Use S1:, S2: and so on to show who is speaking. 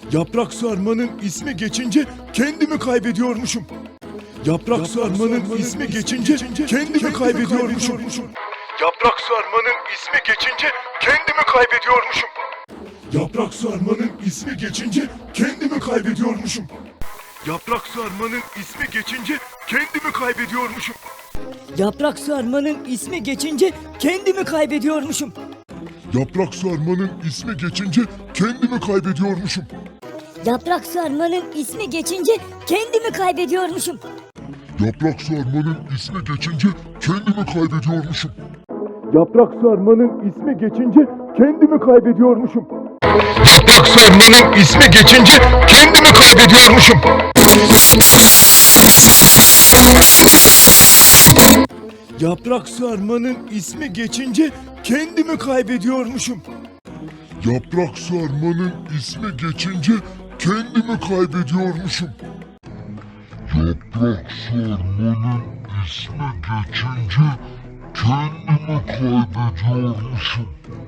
S1: Yaprak sarmanın ismi geçince kendimi kaybediyormuşum. Yaprak sarmanın ismi geçince kendimi kaybediyormuşum. Yaprak sarmanın ismi geçince kendimi kaybediyormuşum. Yaprak sarmanın ismi geçince kendimi kaybediyormuşum. Yaprak sarmanın ismi geçince kendimi kaybediyormuşum.
S2: Yaprak sarmanın ismi geçince kendimi kaybediyormuşum.
S1: Yaprak sarmanın ismi geçince kendimi kaybediyormuşum.
S2: Yaprak sarmanın ismi geçince kendimi kaybediyormuşum.
S1: Yaprak sarmanın ismi geçince kendimi kaybediyormuşum. Yaprak sarmanın ismi geçince kendimi kaybediyormuşum. Yaprak sarmanın ismi geçince kendimi kaybediyormuşum. Yaprak sarmanın ismi geçince kendimi kaybediyormuşum. Yaprak sarmanın ismi geçince kendimi kaybediyormuşum. Yaprak sarmanın ismi geçince kendimi kaybediyormuşum.